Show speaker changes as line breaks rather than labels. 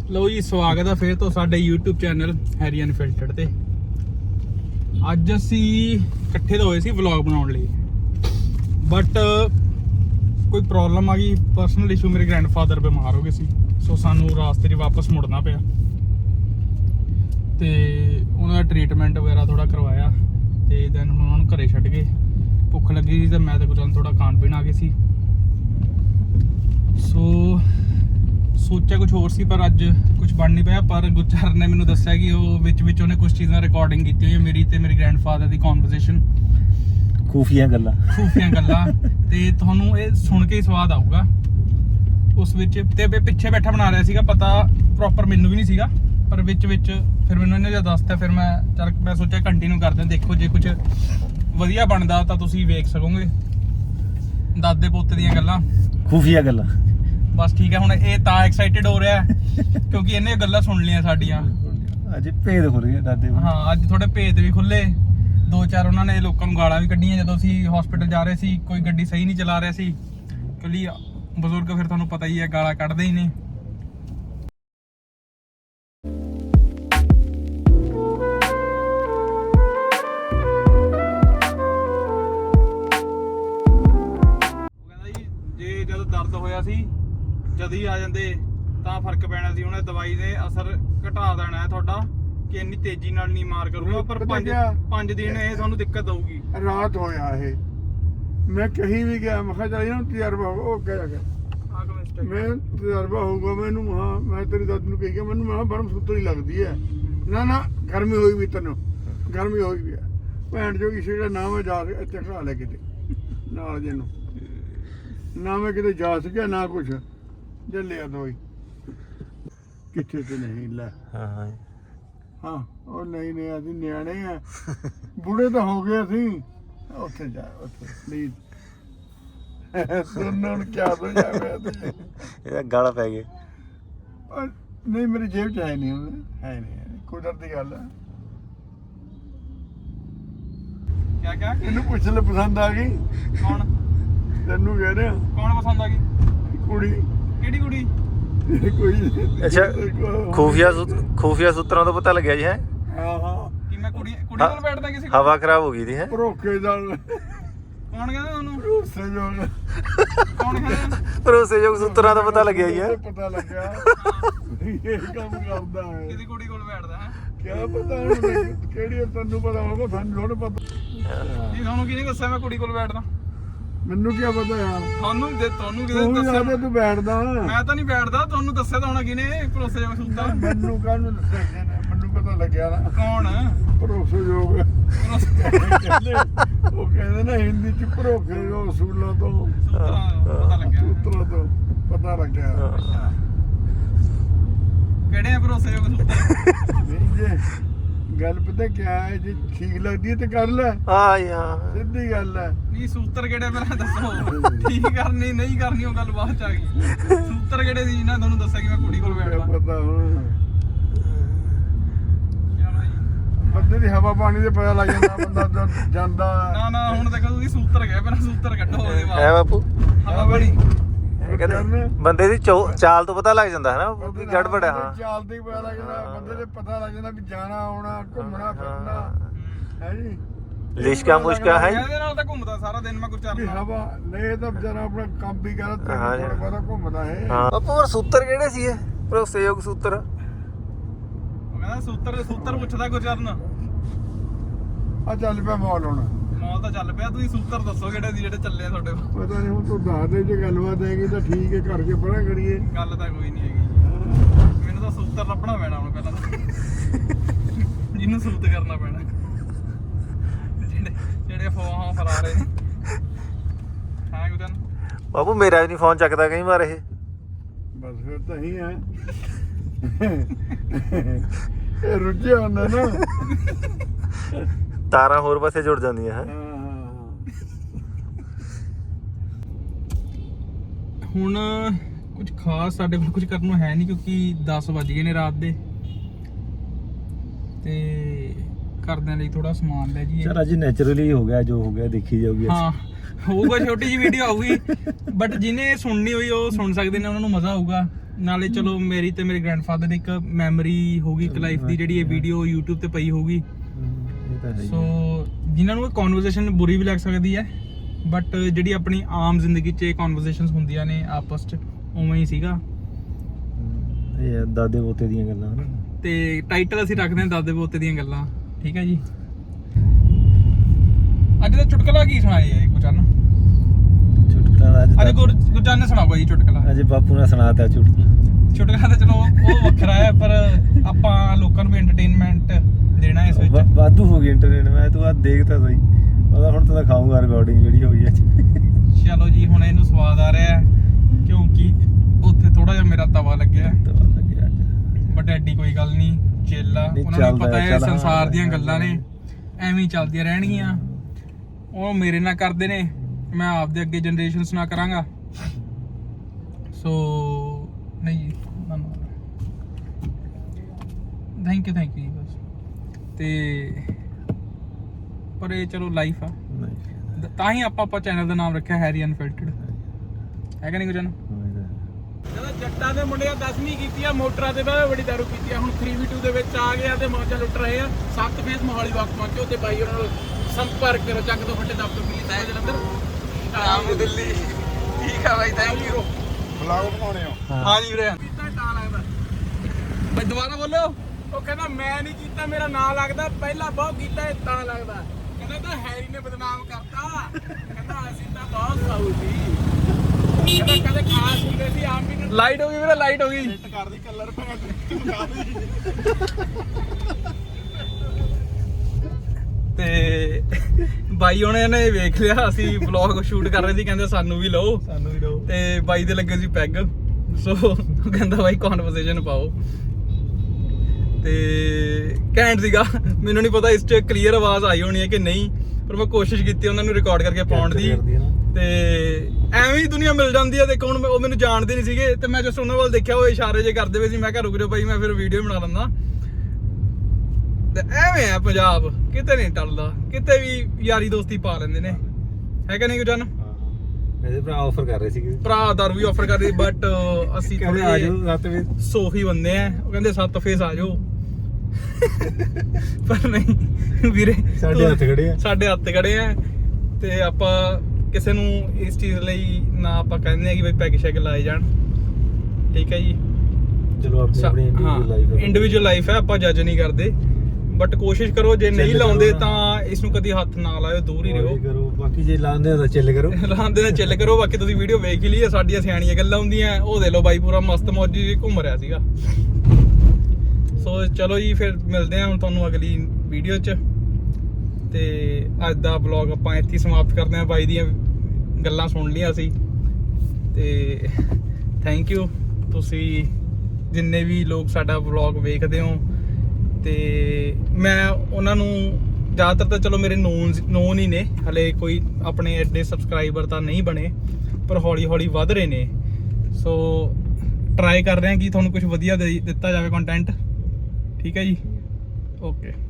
ਲਓ ਜੀ, ਸਵਾਗਤ ਹੈ ਫਿਰ ਤੋਂ ਸਾਡੇ YouTube ਚੈਨਲ ਹੈਰੀ ਅਨਫਿਲਟਰਡ ਤੇ। ਅੱਜ ਅਸੀਂ ਇਕੱਠੇ ਤਾਂ ਹੋਏ ਸੀ ਵਲੌਗ ਬਣਾਉਣ ਲਈ, ਬਟ ਕੋਈ ਪ੍ਰੋਬਲਮ ਆ ਗਈ, ਪਰਸਨਲ ਇਸ਼ੂ। ਮੇਰੇ ਗ੍ਰੈਂਡਫਾਦਰ ਬਿਮਾਰ ਹੋ ਗਏ ਸੀ, ਸੋ ਸਾਨੂੰ ਰਾਸਤੇ 'ਚ ਵਾਪਸ ਮੁੜਨਾ ਪਿਆ ਤੇ ਉਹਨਾਂ ਦਾ ਟ੍ਰੀਟਮੈਂਟ ਵਗੈਰਾ ਥੋੜਾ ਕਰਵਾਇਆ ਤੇ ਦੈਨ ਹੁਣ ਉਹਨਾਂ ਨੂੰ ਘਰੇ ਛੱਡ ਕੇ ਭੁੱਖ ਲੱਗੀ ਸੀ ਤੇ ਮੈਂ ਤਾਂ ਗੁਜਾਨ ਥੋੜਾ ਖਾਣ ਪੀਣ ਆ ਗਏ ਸੀ। ਸੋ ਸੋਚਿਆ ਕੁਝ ਹੋਰ ਸੀ, ਪਰ ਅੱਜ ਕੁਝ ਬਣ ਨਹੀਂ ਪਿਆ। ਪਰ ਗੁਰਚਰ ਨੇ ਮੈਨੂੰ ਦੱਸਿਆ ਕਿ ਉਹ ਵਿੱਚ ਉਹਨੇ ਕੁਝ ਚੀਜ਼ਾਂ ਰਿਕਾਰਡਿੰਗ ਕੀਤੀ ਹੋਈ ਮੇਰੀ ਤੇ ਮੇਰੇ ਗ੍ਰੈਂਡਫਾਦਰ ਦੀ ਕਨਵਰਸੇਸ਼ਨ, ਖੂਫੀਆ ਗੱਲਾਂ ਤੇ ਤੁਹਾਨੂੰ ਇਹ ਸੁਣ ਕੇ ਹੀ ਸਵਾਦ ਆਊਗਾ ਉਸ ਵਿੱਚ। ਤੇ ਪਿੱਛੇ ਬੈਠਾ ਬਣਾ ਰਿਹਾ ਸੀਗਾ, ਪਤਾ ਪ੍ਰੋਪਰ ਮੈਨੂੰ ਵੀ ਨਹੀਂ ਸੀਗਾ, ਪਰ ਵਿੱਚ ਫਿਰ ਮੈਨੂੰ ਇਹਨੇ ਜਦ ਦੱਸਤਾ, ਫਿਰ ਮੈਂ ਸੋਚਿਆ ਕੰਟੀਨਿਊ ਕਰਦੇ ਹਾਂ। ਦੇਖੋ, ਜੇ ਕੁਝ ਵਧੀਆ ਬਣਦਾ ਤਾਂ ਤੁਸੀਂ ਵੇਖ ਸਕੋਗੇ ਦਾਦੇ ਪੋਤੇ ਦੀਆਂ ਗੱਲਾਂ, ਖੂਫੀਆ ਗੱਲਾਂ। ਬਸ ਠੀਕ ਹੈ, ਹੁਣ ਇਹ ਤਾਂ ਐਕਸਾਈਟਿਡ ਹੋ ਰਿਹਾ ਕਿਉਂਕਿ ਇਹਨੇ ਗੱਲਾਂ ਸੁਣ ਲਈਆਂ ਸਾਡੀਆਂ।
ਅੱਜ ਭੇਦ ਖੁੱਲ ਗਏ ਦਾਦੇ।
ਹਾਂ, ਅੱਜ ਥੋੜੇ ਭੇਦ ਵੀ ਖੁੱਲੇ। 2-4 ਉਹਨਾਂ ਨੇ ਲੋਕਾਂ ਨੂੰ ਗਾਲਾਂ ਵੀ ਕੱਢੀਆਂ ਜਦੋਂ ਅਸੀਂ ਹਸਪੀਟਲ ਜਾ ਰਹੇ ਸੀ। ਕੋਈ ਗੱਡੀ ਸਹੀ ਨਹੀਂ ਚਲਾ ਰਿਹਾ ਸੀ ਕਿਉਂਕਿ ਬਜ਼ੁਰਗ ਫਿਰ ਤੁਹਾਨੂੰ ਪਤਾ ਹੀ ਹੈ ਗਾਲਾਂ ਕੱਢਦੇ ਹੀ ਨੇ। ਉਹ ਕਹਿੰਦਾ ਜੀ, ਜੇ ਜਦੋਂ ਦਰਦ ਹੋਇਆ ਸੀ ਜਦ ਹੀ ਆ ਜਾਂਦੇ ਤਾਂ ਫਰਕ ਪੈਣਾ ਸੀ। ਉਹਨੇ ਦਵਾਈ ਦੇ ਅਸਰ ਘਟਾ ਦੇਣਾ ਹੈ ਤੁਹਾਡਾ, ਕਿ ਇੰਨੀ ਤੇਜ਼ੀ ਨਾਲ ਨਹੀਂ ਮਾਰ ਕਰੂਗਾ, ਪਰ 5 ਦਿਨ ਇਹ ਤੁਹਾਨੂੰ ਦਿੱਕਤ ਦਊਗੀ।
ਰਾਤ ਹੋਇਆ ਇਹ, ਮੈਂ ਕਹੀਂ ਵੀ ਗਿਆ, ਮੈਂ ਕਿਹਾ ਚੱਲ ਇਹਨੂੰ ਤਜਰਬਾ ਹੋਊਗਾ। ਉਹ ਕਹਿ ਗਿਆ ਮੈਂ ਤਜਰਬਾ ਹੋਊਗਾ ਮੈਨੂੰ। ਹਾਂ, ਮੈਂ ਤੇਰੀ ਦਾਦੀ ਨੂੰ ਕਹੀ ਗਿਆ, ਮੈਨੂੰ ਮੈਂ ਬਰਮ ਸੁੱਤਰੀ ਲੱਗਦੀ ਹੈ। ਨਾ ਗਰਮੀ ਹੋਈ ਵੀ, ਤੈਨੂੰ ਗਰਮੀ ਹੋਈ ਵੀ ਹੈ। ਭੈਣ ਜੋ ਕਿਸੇ ਦਾ ਨਾਮ ਹੈ, ਜਾ ਕੇ ਇੱਥੇ ਖੜਾ ਲੈ ਕਿਤੇ ਨਾਲ ਜੇ ਨੂੰ, ਨਾ ਮੈਂ ਕਿਤੇ ਜਾ ਸਕਿਆ ਨਾ ਕੁਛ ਜੱਲਿਆ ਦਵਾਈ ਕਿੱਥੇ ਤੇ ਨਹੀਂ ਲੈ। ਹਾਂ ਉਹ ਨਹੀਂ ਅਸੀਂ ਨਿਆਣੇ ਆ, ਬੁੜੇ ਤਾਂ ਹੋ ਗਏ ਅਸੀਂ। ਉੱਥੇ ਜਾ, ਉੱਥੇ ਪਲੀਜ਼ ਸੁਣਨ ਨੂੰ ਕਿਆ ਹੋ ਜਾਵੇ
ਇਹਦਾ ਗਾਲਾਂ ਪੈ ਗਏ।
ਨਹੀਂ, ਮੇਰੀ ਜੇਬ ਚ ਹੈ ਨਹੀਂ ਕੁਦਰਤ ਦੀ ਗੱਲ ਹੈ।
ਕਿਆ
ਇਹਨੂੰ ਪੁੱਛ ਲੈ, ਪਸੰਦ ਆ ਗਈ?
ਕੌਣ?
ਤੈਨੂੰ ਕਹਿ ਰਿਹਾ।
ਕੌਣ ਪਸੰਦ ਆ ਗਈ?
ਕੁੜੀ।
ਕਿਹੜੀ ਕੁੜੀ?
ਕੋਈ
ਅੱਛਾ, ਖੂਫੀਆ ਸੂਤਰਾਂ ਤੋਂ ਪਤਾ ਲੱਗਿਆ ਜੀ ਹੈ।
ਹਾਂ
ਕਿ ਮੈਂ ਕੁੜੀ ਕੋਲ ਬੈਠਦਾ ਕਿਸੇ ਕੋਲ?
ਹਵਾ ਖਰਾਬ ਹੋ ਗਈ ਦੀ ਹੈ।
ਭਰੋਕੇ ਦਾ
ਕੌਣ ਕਹਿੰਦਾ ਤੁਹਾਨੂੰ?
ਭਰੋਸੇਯੋਗ।
ਕੌਣ ਕਹਿੰਦਾ?
ਭਰੋਸੇਯੋਗ ਸੂਤਰਾਂ ਦਾ ਪਤਾ ਲੱਗਿਆ ਜੀ ਹੈ।
ਪਤਾ ਲੱਗਿਆ ਇਹ ਕੰਮ ਕਰਦਾ ਹੈ।
ਕਿਸੇ ਕੁੜੀ ਕੋਲ ਬੈਠਦਾ ਹੈ?
ਕਿਆ ਪਤਾ ਹੁਣ ਕਿਹੜੀ, ਤੈਨੂੰ ਪਤਾ ਹੋਗਾ, ਸਾਨੂੰ ਥੋੜਾ ਪਤਾ।
ਜੀ ਤੁਹਾਨੂੰ ਕਿਹਨੇ ਦੱਸਿਆ ਮੈਂ ਕੁੜੀ ਕੋਲ ਬੈਠਦਾ?
ਮੈਨੂੰ ਕੀ ਪਤਾ ਯਾਰ,
ਤੁਹਾਨੂੰ ਕਿਹਨੇ
ਤੂੰ
ਦੱਸਿਆ?
ਵੀ ਤੂੰ ਬੈਠਦਾ।
ਮੈਂ ਤਾਂ ਨਹੀਂ ਬੈਠਦਾ, ਤੁਹਾਨੂੰ ਦੱਸਿਆ ਤਾਂ ਹੋਣਾ ਕਿਹਨੇ ਭਰੋਸੇਯੋਗ ਸੂਤਰ?
ਮੈਨੂੰ ਕਾਹਨੂੰ ਦੱਸਿਆ ਕਿਸੇ ਨੇ? ਮੈਨੂੰ ਪਤਾ ਲੱਗਿਆ ਨਾ।
ਕੌਣ?
ਭਰੋਸੇਯੋਗ। ਉਹ ਕਹਿੰਦੇ ਨਾ ਹਿੰਦੀ ਚ ਭਰੋਸੇਯੋਗ ਸੂਲਾਂ ਤੋਂ,
ਪਤਾ ਲੱਗਿਆ।
ਸੂਤਰਾਂ ਤੋਂ ਪਤਾ ਲੱਗਿਆ।
ਕਿਹੜੇ ਆ ਭਰੋਸੇਯੋਗ ਸੂਤਰ?
ਨਹੀਂ ਜੇ ਗੱਲ ਪਤਾ ਕਿਆ ਹੈ, ਜੇ ਠੀਕ ਲੱਗਦੀ ਹੈ ਤੇ ਕਰ ਲੈ।
ਹਾਂ ਯਾਰ,
ਸਿੱਧੀ ਗੱਲ ਹੈ।
ਨਹੀਂ, ਸੂਤਰ ਕਿਹੜੇ ਪਹਿਲਾਂ ਦੱਸੋ। ਠੀਕ ਕਰਨੀ ਨਹੀਂ ਕਰਨੀ ਉਹ ਗੱਲ ਬਾਅਦ ਚ ਆ ਗਈ। ਸੂਤਰ ਕਿਹੜੇ ਸੀ ਨਾ ਤੁਹਾਨੂੰ ਦੱਸਿਆ ਕਿ ਮੈਂ ਕੁੜੀ ਕੋਲ ਬੈਠਦਾ?
ਪਤਾ ਹੁਣ ਬੰਦੇ ਦੀ ਹਵਾ ਪਾਣੀ ਦੇ ਪਤਾ ਲੱਗ ਜਾਂਦਾ, ਬੰਦਾ ਜਦ ਜਾਂਦਾ।
ਨਾ ਹੁਣ ਦੇਖੋ ਤੁਸੀਂ ਸੂਤਰ ਗਏ, ਪਹਿਲਾਂ ਸੂਤਰ ਕੱਢੋ ਉਹਦੇ
ਹੈ
ਬਾਅਦ।
ਬਾਪੂ।
ਹਵਾ ਬੜੀ
ਇਹ ਕਹਿੰਦੇ ਬੰਦੇ ਦੀ ਚਾਲ ਤੋਂ ਪਤਾ ਲੱਗ ਜਾਂਦਾ ਹੈ ਨਾ, ਗੜਬੜ ਹੈ। ਹਾਂ,
ਚਾਲ ਤੇ ਪਤਾ ਲੱਗ ਜਾਂਦਾ, ਬੰਦੇ ਦੇ ਪਤਾ ਲੱਗ ਜਾਂਦਾ ਵੀ ਜਾਣਾ ਆਉਣਾ, ਘੁੰਮਣਾ ਫਿਰਨਾ ਹੈ ਜੀ।
ਲਿਸ਼ਕਾ ਮੁਸ਼ਕਾ ਹੈ।
ਇਹਦੇ ਨਾਲ ਤਾਂ ਘੁੰਮਦਾ ਸਾਰਾ ਦਿਨ ਮੈਂ ਗੁਰਚਰਨ
ਵੀ
ਨਾਲ।
ਹਵਾ ਨਹੀਂ ਤਾਂ ਵਿਚਾਰਾ ਆਪਣਾ ਕੰਮ ਵੀ ਕਰਦਾ,
ਹਾਂ ਜੀ।
ਥੋੜਾ ਬਹੁਤਾ ਘੁੰਮਦਾ ਹੈ।
ਹਾਂ ਬਾਪੂ, ਹੋਰ ਸੂਤਰ ਕਿਹੜੇ ਸੀ ਇਹ ਭਰੋਸੇਯੋਗ ਸੂਤਰ?
ਉਹ ਕਹਿੰਦਾ ਸੂਤਰ ਪੁੱਛਦਾ ਗੁਰਚਰਨ।
ਆ ਚੱਲ ਪਿਆ ਮੌਲ ਹੁਣ।
ਮੌਲ ਤਾਂ ਚੱਲ ਪਿਆ, ਤੁਸੀਂ ਸੂਤਰ ਦੱਸੋ ਕਿਹੜੇ ਸੀ ਜਿਹੜੇ ਚੱਲੇ ਆ ਤੁਹਾਡੇ ਕੋਲ?
ਪਤਾ ਨਹੀਂ, ਹੁਣ ਤੂੰ ਦੱਸ ਦੇ, ਜੇ ਗੱਲਬਾਤ ਹੈਗੀ ਤਾਂ ਠੀਕ ਹੈ, ਕਰਕੇ ਪਰਾਂ ਕਰੀਏ।
ਗੱਲ ਤਾਂ ਕੋਈ ਨਹੀਂ ਹੈਗੀ, ਮੈਨੂੰ ਤਾਂ ਸੂਤਰ ਲੱਭਣਾ ਪੈਣਾ ਹੁਣ ਪਹਿਲਾਂ ਤਾਂ। ਜਿਹਨੂੰ ਸੂਤ ਕਰਨਾ ਪੈਣਾ, ਜਿਹੜੇ ਫੋਹਾਂ ਫਰਾ ਰਹੇ ਨੇ। ਹਾਂ ਗੁਰਚਰਨ
ਬਾਪੂ, ਮੇਰਾ ਵੀ ਨਹੀਂ ਫੋਨ ਚੱਕਦਾ ਕਈ ਵਾਰ ਇਹ।
ਬਸ ਫਿਰ ਤਾਂ ਹੀ ਹੈ, ਇਹ ਰੁੱਝਿਆ ਹੁੰਦਾ ਨਾ।
ਤਾਰਾਂ ਹੋਰ ਪਾਸੇ ਜੁੜ ਜਾਂਦੀਆਂ ਹੈ।
ਹੁਣ ਕੁਝ ਖਾਸ ਸਾਡੇ ਕੋਲ ਕੁਝ ਕਰਨ ਨੂੰ ਹੈ ਨਹੀਂ, ਕਿਉਂਕਿ 10 ਵੱਜ ਗਏ ਨੇ ਰਾਤ ਦੇ ਤੇ ਘਰਦਿਆਂ ਲਈ ਥੋੜਾ ਸਮਾਨ ਲੈ ਜੀਏ।
ਚਲ ਅੱਜ ਨੈਚੁਰਲੀ ਹੋ ਗਿਆ, ਜੋ ਹੋ ਗਿਆ ਦੇਖੀ ਜਾਊਗੀ।
ਹਾਂ ਹੋਊਗਾ, ਛੋਟੀ ਜਿਹੀ ਵੀਡੀਓ ਆਊਗੀ ਬਟ ਜਿਹਨੇ ਸੁਣਨੀ ਹੋਈ ਉਹ ਸੁਣ ਸਕਦੇ ਨੇ, ਉਹਨਾਂ ਨੂੰ ਮਜ਼ਾ ਆਊਗਾ। ਨਾਲੇ ਚਲੋ ਮੇਰੀ ਤੇ ਮੇਰੇ ਗ੍ਰੈਂਡਫਾਦਰ ਦੀ ਇੱਕ ਮੈਮਰੀ ਹੋਊਗੀ ਇੱਕ ਲਾਈਫ ਦੀ, ਜਿਹੜੀ ਇਹ ਵੀਡੀਓ YouTube ਤੇ ਪਈ ਹੋਊਗੀ।
ਇਹ ਤਾਂ ਹੈ ਹੀ।
ਸੋ ਜਿਨ੍ਹਾਂ ਨੂੰ ਇਹ ਕਨਵਰਸੇਸ਼ਨ ਬੁਰੀ ਵੀ ਲੱਗ ਸਕਦੀ ਹੈ ਬਟ ਜਿਹੜੀ ਆਪਣੀ ਆਮ ਜ਼ਿੰਦਗੀ 'ਚ ਇਹ ਕਨਵਰਸੇਸ਼ਨਸ ਹੁੰਦੀਆਂ ਨੇ ਆਪਸ 'ਚ, ਉਵੇਂ ਹੀ ਸੀਗਾ।
ਇਹ ਆ ਦਾਦੇ ਪੋਤੇ ਦੀਆਂ ਗੱਲਾਂ ਹਨਾ।
ਤੇ ਟਾਈਟਲ ਅਸੀਂ ਰੱਖਦੇ ਹਾਂ ਦਾਦੇ ਪੋਤੇ ਦੀਆਂ ਗੱਲਾਂ, ਠੀਕ ਹੈ ਜੀ। ਅੱਜ ਦਾ ਚੁਟਕਲਾ ਕੀ ਸੁਣਾਇਆ ਹੈ ਗੁਰਚਰਨ?
ਚੁਟਕਲਾ
ਅੱਜ ਗੁਰਚਰਨ ਨੇ ਸੁਣਾਊਗਾ ਜੀ ਚੁਟਕਲਾ।
ਅੱਜ ਬਾਪੂ ਨੇ ਸੁਣਾਤਾ
ਚੁਟਕਲਾ ਤਾਂ ਚਲੋ ਉਹ ਵੱਖਰਾ ਹੈ, ਪਰ ਆਪਾਂ ਲੋਕਾਂ ਨੂੰ ਵੀ ਐਂਟਰਟੇਨਮੈਂਟ ਦੇਣਾ ਇਸ ਵਿੱਚ।
ਵਾਧੂ ਹੋ ਗਈ ਇੰਟਰਨੈਟ। ਮੈਂ ਤੂੰ ਆ ਦੇਖ ਤਾਂ ਸਹੀ, ਉਹਦਾ ਹੁਣ ਤਾਂ ਖਾਊਂਗਾ ਰਿਕਾਰਡਿੰਗ ਜਿਹੜੀ ਹੋਈ ਅੱਜ।
ਚਲੋ ਜੀ ਹੁਣ ਇਹਨੂੰ ਸਵਾਦ ਆ ਰਿਹਾ ਕਿਉਂਕਿ ਉੱਥੇ ਥੋੜਾ ਜਿਹਾ ਮੇਰਾ ਤਵਾ ਲੱਗਿਆ ਬਟ ਐਡੀ ਕੋਈ ਗੱਲ ਨਹੀਂ, ਚੇਲਾ ਉਹਨਾਂ ਨੂੰ ਪਤਾ ਹੈ ਸੰਸਾਰ ਦੀਆਂ ਗੱਲਾਂ ਨੇ ਐਵੇਂ ਹੀ ਚੱਲਦੀਆਂ ਰਹਿਣਗੀਆਂ। ਉਹ ਮੇਰੇ ਨਾਲ ਕਰਦੇ ਨੇ, ਮੈਂ ਆਪਦੇ ਅੱਗੇ ਜਨਰੇਸ਼ਨਸ ਨਾਲ ਕਰਾਂਗਾ। ਸੋ ਨਹੀਂ ਜੀ, ਥੈਂਕ ਯੂ ਜੀ ਬਸ। ਤੇ ਪਰ ਇਹ ਚਲੋ ਲਾਈਫ ਆ, ਤਾਂ ਹੀ ਆਪਾਂ ਚੈਨਲ ਦਾ ਨਾਮ ਰੱਖਿਆ ਹੈਰੀ ਅਨਫਿਲਟਰਡ, ਹੈ ਕਿ ਨਹੀਂ ਗੁਜਨ? ਜਦੋਂ ਜੱਟਾਂ ਦੇ ਮੁੰਡਿਆਂ 10ਵੀਂ ਕੀਤੀ ਆ, ਮੋਟਰਾਂ ਤੇ ਬੜੀ ਦਾਰੂ ਕੀਤੀ ਆ, ਹੁਣ 3v2 ਦੇ ਵਿੱਚ ਆ ਗਏ ਆ ਤੇ ਮੌਜਾਂ ਲੁੱਟ ਰਹੇ ਆ। 7 ਫੇਸ ਮੋਹਾਲੀ ਵਾਕ ਪਹੁੰਚੋ ਤੇ ਬਾਈ ਉਹਨਾਂ ਨਾਲ ਸੰਪਰਕ ਕਰੋ। ਚੱਕ ਤੋਂ ਫੱਟੇ ਦਫ਼ਤਰ ਮਿਲੀ ਤਾਂ ਜਲੰਧਰ ਆਮ ਦਿੱਲੀ। ਠੀਕ ਆ ਬਾਈ, ਥੈਂਕ ਯੂ।
ਬਲੌਗ ਬਣਾਉਣੇ ਹੋ?
ਹਾਂ ਜੀ ਵੀਰੇ। ਕੀਤਾ ਤਾਂ ਲੱਗਦਾ ਬਾਈ, ਦੁਬਾਰਾ ਬੋਲੋ। ਉਹ ਕਹਿੰਦਾ ਮੈਂ ਨਹੀਂ ਕੀਤਾ, ਮੇਰਾ ਨਾਂ ਲੱਗਦਾ, ਪਹਿਲਾਂ ਬਹੁਤ ਕੀਤਾ ਇਹ ਤਾਂ ਲੱਗਦਾ। ਕਹਿੰਦਾ ਤਾਂ ਹੈਰੀ ਨੇ ਬਦਨਾਮ ਕਰਤਾ, ਕਹਿੰਦਾ ਅਸੀਂ ਤਾਂ ਬਹੁਤ ਖਾਊ ਸੀ, ਕਹਿੰਦਾ ਕਦੇ ਖਾਸ ਹੁੰਦੇ ਸੀ ਆਮ ਵੀ। ਲਾਈਟ ਹੋ ਗਈ ਵੀਰੇ, ਲਾਈਟ ਹੋ ਗਈ। ਸੈੱਟ ਕਰਦੀ ਕਲਰ ਤੇ ਬਾਈ ਉਹਨੇ ਨੇ ਵੇਖ ਲਿਆ ਅਸੀਂ ਵਲੌਗ ਸ਼ੂਟ ਕਰ ਰਹੇ ਸੀ, ਕਹਿੰਦੇ ਸਾਨੂੰ ਵੀ ਲਓ ਤੇ ਬਾਈ ਦੇ ਲੱਗੇ ਸੀ ਪੈਗ। ਸੋ ਉਹ ਕਹਿੰਦਾ ਬਾਈ ਕਨਵਰਸੇਸ਼ਨ ਪਾਓ ਤੇ ਘੈਂਟ ਸੀਗਾ। ਮੈਨੂੰ ਨਹੀਂ ਪਤਾ ਇਸ 'ਚ ਕਲੀਅਰ ਆਵਾਜ਼ ਆਈ ਹੋਣੀ ਹੈ ਕਿ ਨਹੀਂ, ਪਰ ਮੈਂ ਕੋਸ਼ਿਸ਼ ਕੀਤੀ ਉਹਨਾਂ ਨੂੰ ਰਿਕਾਰਡ ਕਰਕੇ ਪਾਉਣ ਦੀ। ਤੇ ਐਵੇਂ ਹੀ ਦੁਨੀਆ ਮਿਲ ਜਾਂਦੀ ਹੈ। ਦੇਖੋ ਹੁਣ ਉਹ ਮੈਨੂੰ ਜਾਣਦੇ ਨਹੀਂ ਸੀਗੇ ਤੇ ਮੈਂ ਜਸਟ ਉਹਨਾਂ ਵੱਲ ਦੇਖਿਆ, ਉਹ ਇਸ਼ਾਰੇ ਜੇ ਕਰਦੇ ਪਏ ਸੀ। ਮੈਂ ਕਿਹਾ ਰੁਕ ਜਾਓ ਬਾਈ, ਮੈਂ ਫਿਰ ਵੀਡੀਓ ਬਣਾ ਲੈਂਦਾ। ਤੇ ਐਵੇਂ ਆ ਪੰਜਾਬ, ਕਿਤੇ ਨਹੀਂ ਟਲਦਾ, ਕਿਤੇ ਵੀ ਯਾਰੀ ਦੋਸਤੀ ਪਾ ਲੈਂਦੇ ਨੇ, ਹੈ ਕਿ ਨਹੀਂ ਗੁਜਨ?
ਮੇਰੇ ਭਰਾ ਆਫਰ ਕਰ ਰਹੇ ਸੀਗੇ,
ਭਰਾ ਦਾਰੂ ਵੀ ਆਫਰ ਕਰਦੇ ਬਟ ਅਸੀਂ ਥੋੜੇ
ਆ ਜਾਓ 7 ਵਜੇ
ਸੋਫੀ ਬੰਦੇ ਆ। ਉਹ ਕਹਿੰਦੇ 7 ਫੇਸ ਆ ਜਾਓ ਪਰ ਨਹੀਂ ਵੀਰੇ,
ਸਾਡੇ ਹੱਥ ਖੜੇ ਆ
ਤੇ ਆਪਾਂ ਕਿਸੇ ਨੂੰ ਇਸ ਚੀਜ਼ ਲਈ ਨਾ ਆਪਾਂ ਕਹਿੰਦੇ ਆ ਕਿ ਬਈ ਪੈਗ ਸ਼ੈਗ ਲਾਏ ਜਾਣ, ਠੀਕ ਹੈ ਜੀ।
ਚਲੋ ਆਪਣੀ
ਇੰਡੀਵਿਜੂਅਲ ਲਾਈਫ ਹੈ, ਆਪਾਂ ਜੱਜ ਨਹੀਂ ਕਰਦੇ ਬਟ ਕੋਸ਼ਿਸ਼ ਕਰੋ ਜੇ ਨਹੀਂ ਲਾਉਂਦੇ ਤਾਂ ਇਸ ਨੂੰ ਕਦੀ ਹੱਥ ਨਾ ਲਾਇਓ, ਦੂਰ ਹੀ ਰਹੋ।
ਬਾਕੀ ਜੇ ਲਾਉਂਦੇ ਹੋ ਤਾਂ ਚਿੱਲ ਕਰੋ,
ਚਿੱਲ ਕਰੋ। ਬਾਕੀ ਤੁਸੀਂ ਵੀਡੀਓ ਵੇਖ ਹੀ ਲਈ, ਸਾਡੀਆਂ ਸਿਆਣੀਆਂ ਗੱਲਾਂ ਹੁੰਦੀਆਂ। ਉਹ ਦੇ ਲਓ ਬਾਈ ਪੂਰਾ ਮਸਤ ਮੌਜੀ ਘੁੰਮ ਰਿਹਾ ਸੀਗਾ। ਸੋ ਚਲੋ ਜੀ ਫਿਰ ਮਿਲਦੇ ਹਾਂ ਹੁਣ ਤੁਹਾਨੂੰ ਅਗਲੀ ਵੀਡੀਓ 'ਚ। ਤੇ ਅੱਜ ਦਾ ਵਲੌਗ ਆਪਾਂ ਇੱਥੇ ਸਮਾਪਤ ਕਰਦੇ ਹਾਂ। ਬਾਈ ਦੀਆਂ ਗੱਲਾਂ ਸੁਣ ਲਈਆਂ ਅਸੀਂ ਤੇ ਥੈਂਕ ਯੂ ਤੁਸੀਂ ਜਿੰਨੇ ਵੀ ਲੋਕ ਸਾਡਾ ਵਲੌਗ ਵੇਖਦੇ ਹੋ। ਤੇ ਮੈਂ ਉਹਨਾਂ ਨੂੰ ਜ਼ਿਆਦਾਤਰ ਤਾਂ ਚਲੋ ਮੇਰੇ ਨੋਨ ਹੀ ਨੇ, ਹਲੇ ਕੋਈ ਆਪਣੇ ਐਡੇ ਸਬਸਕ੍ਰਾਈਬਰ ਤਾਂ ਨਹੀਂ ਬਣੇ ਪਰ ਹੌਲੀ ਹੌਲੀ ਵੱਧ ਰਹੇ ਨੇ। ਸੋ ਟਰਾਈ ਕਰ ਰਹੇ ਹਾਂ ਕਿ ਤੁਹਾਨੂੰ ਕੁਝ ਵਧੀਆ ਦਿੱਤਾ ਜਾਵੇ ਕੰਟੈਂਟ, ਠੀਕ ਹੈ ਜੀ। ਓਕੇ।